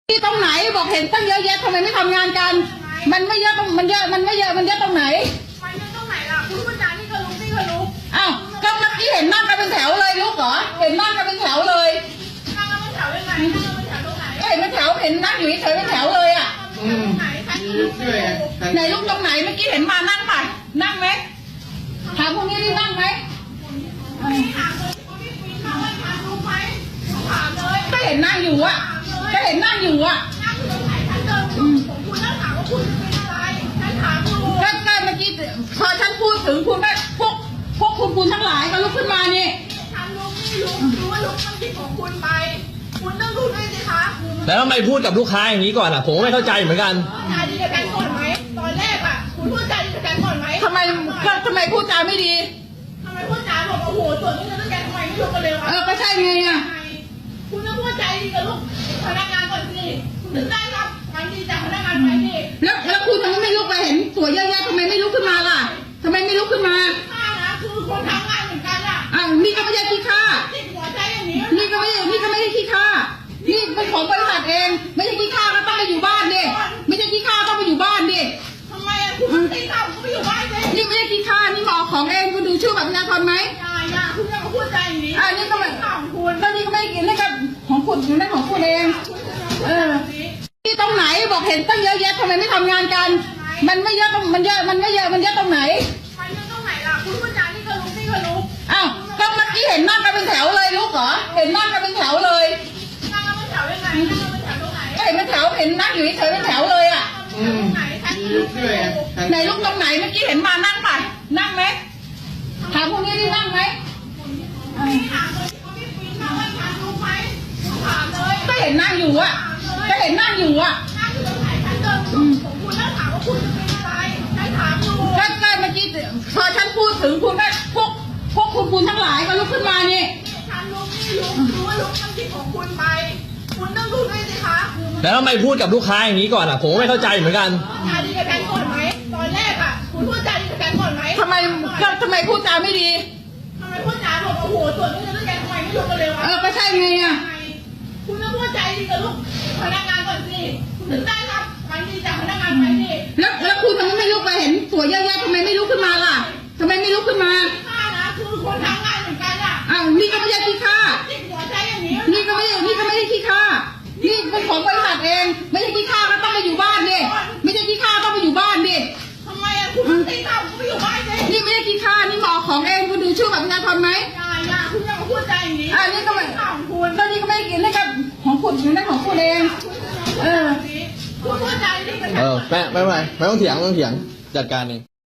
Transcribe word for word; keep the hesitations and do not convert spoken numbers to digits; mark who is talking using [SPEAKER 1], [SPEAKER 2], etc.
[SPEAKER 1] ที่ตรงไหนบอกเห็นตั้งเยอะแยะทำไมไม่ทำงานกันมันไม่เยอะตรงมันเยอะมันไม่เยอะมันเยอะตรงไหน
[SPEAKER 2] มันเยอะตรงไหนล่ะคุณผู้จานี่ก็รู้นี่ก็รู้
[SPEAKER 1] อ้าวก็เมื่อกี้เห็นนั่งกันเป็นแถวเลยลูกเหรอเห็นนั่งกันเป็นแถวเลย
[SPEAKER 2] นั่งกันเป็นแถวยังไงนั่งกันเป็นแถวตรงไหน
[SPEAKER 1] ก็เห็นเป็นแถวเห็นนั่งอยู่เฉยเป็นแถวเลยอ่ะไหนลูกตรงไหนเมื่อกี้เห็นมานั่งป่ะนั่งไหมถามพวกนี้นี่นั่งไหมก็เห็นนั่งอยู่อ่ะก็เห็นนั่งอยู่อ่ะ
[SPEAKER 2] นั่งอยู่ตรงไหนฉันเดินของคุณแล้วถามว่าคุณเป็นอะไรฉันถามคุณ
[SPEAKER 1] ก็ก็เมื่อกี้พอฉันพูดถึงคุณก็พวกพวกคุณคุณทั้งหลายก็ลุกขึ้นมานี่
[SPEAKER 2] ฉันรู้ไม่รู้รู้ว่ารู้มันผิดของคุณไปคุณต้องรู้ด้วยสิคะ
[SPEAKER 3] แล้วทำไมพูดกับลูกค้าอย่างนี้ก่อนอ่ะผมไม่เข้าใจเหมือนกัน
[SPEAKER 2] จาดีกับกันก่อนไหมตอนแรกอ่ะคุณพูดจาดีกับกันก่อนไหม
[SPEAKER 1] ทำไมก็ทำไมพูดจาไม่ดี
[SPEAKER 2] ทำไมพูดจาบอกโอ้โหส่วนนี้เงินต้องแกทำไมไม่รู้กันเลยวะ
[SPEAKER 1] เออก็ใช่ไงอ่ะ
[SPEAKER 2] คุณต้องพูดใจดีกับลูกพนักงานก่อนสิถึงได้รับการดีจากพนักงานไปดิ
[SPEAKER 1] แล้วแล้วคุณทำไมไม่ลุกไปเห็นสวยเยอะแยะทำไมไม่ลุกขึ้นมาล่ะทำไมไม่ลุกขึ้นมา
[SPEAKER 2] ข้านะคือคนทำงานเหมือนกันอ่ะ
[SPEAKER 1] อ้าวนี่ก็ไม่ใช่ขี้ข้า
[SPEAKER 2] ติดหัวใจอย่างนี้
[SPEAKER 1] นี่ก็ไม่นี่ก็ไม่ใช่ขี้ข้านี่เป็นของบริษัทเองไม่ใช่ขี้ข้าก็ต้องไปอยู่บ้านดิไม่ใช่ขี้ข้าต้องไปอยู่บ้านดิ
[SPEAKER 2] ทำไมอ่ะคุณตีข้าวคุณไม่อยู่บ้านเลย
[SPEAKER 1] นี่ไม่ใช่ขี้ข้านี่หมอของเองคุณดูชื่อบัตรประชาชนไหม
[SPEAKER 2] อย่าอย่าคุณอย่ามาพูดใจอย่างนี้
[SPEAKER 1] อ่านี่ก็ไม่
[SPEAKER 2] ของคุณ
[SPEAKER 1] ก็นี่ก็ไม่กินนี่ก็ของคุณนั่นของคุณเองเออที่ตรงไหนบอกเห็นตั้งเยอะแยะทำไมไม่ทำงานกันมันไม่เยอะตรงมันเยอะมันไม่เยอะมันเยอะตรงไหน
[SPEAKER 2] มันเยอะตรงไหนล่ะคุณผู้จานี่ก็รู้นี่ก็รู้
[SPEAKER 1] อ้าวก็เมื่อกี้เห็นนั่งกันเป็นแถวเลยลูกเหรอเห็นนั่งกันเป็นแถวเลย
[SPEAKER 2] นั่งกันเป็นแถวยังไงนั่งกันเป็นแถวตรงไหน
[SPEAKER 1] ก็เห็นเป็นแถวเห็นนั่งอยู่เฉยเป็นแถวเลยอ่ะไหนลูกตรงไหนเมื่อกี้เห็นมานั่งป่ะนั่งไหมถามพวกนี้นี่นั่งไหมก็เห็นนั่งอยู่อ่ะก็เห็นนั่งอยู่อ่ะ
[SPEAKER 2] นั่งอยู่ตรงไหนฉันเดินของคุณแล้วถามว่าคุณเป็นอะไรฉันถามดู
[SPEAKER 1] ก็ก็เมื่อกี้พอฉันพูดถึงคุณก็พวกพวกคุณคุณทั้งหลายก็ลุกขึ้นมานี่
[SPEAKER 2] ฉันรู้ไม่รู้รู้ว่ารู้มันผิดของคุณไปคุณต้องรู้ด้วยสิคะ
[SPEAKER 3] แล้วทำไมพูดกับลูกค้าอย่างนี้ก่อนอ่ะผมไม่เข้าใจเหมือนกัน
[SPEAKER 2] จาดีกับกันก่อนไหมตอนแรกอ่ะคุณพูดจาดีกับกันก่อนไหม
[SPEAKER 1] ทำไมก็ทำไมพูดจาไม่ดี
[SPEAKER 2] ทำไมพูดจาบอกโอ้โหส่วนนี้เงินต้องแกทำไมไม่รู้กันเลยวะ
[SPEAKER 1] เออก็ใช่ไงอ่ะ
[SPEAKER 2] คุณต้องพูดใจดีกับลูกพนักงานก่อนสิถึงได้รับการดีจากพนักงานไปดิ
[SPEAKER 1] แล้วแล้วคุณทำไมไม่ลุกไปเห็นสวยเยอะแยะทำไมไม่ลุกขึ้นมาล่ะทำไมไม่ลุกขึ้นมา
[SPEAKER 2] ข้านะคือคนทำงานเหมือนกันอ่ะ
[SPEAKER 1] อ้าวนี่ก็ไม่ใช่ขี้ข้า
[SPEAKER 2] ติดหัวใจอย่างนี้
[SPEAKER 1] นี่ก็ไม่นี่ก็ไม่ใช่ขี้ข้านี่เป็นของบริษัทเองไม่ใช่ขี้ข้าก็ต้องไปอยู่บ้านดิไม่ใช่ขี้ข้าต้องไปอยู่บ้านดิ
[SPEAKER 2] ทำไมอ่ะคุณตีข้าวคุณไม่อยู่บ้านเลย
[SPEAKER 1] นี่ไม่ใช่ขี้ข้านี่หมอของเองคุณดูชื่อบัตรประชาชนไหม
[SPEAKER 2] อย่าอย่าคุณอย่ามาพูดใจอย่างนี้
[SPEAKER 1] อ่านี่ก็ไม่
[SPEAKER 2] ของคุณ
[SPEAKER 1] ก็นี่ก็ไม่กินนี่ก็ของคุณนั่นของคุณเองเออ
[SPEAKER 2] คุณพูดใจดีกับ
[SPEAKER 3] เออแม่ไม่ไม่ไม่ต้องเถียงไม่ต้องเถียงจัดการเอง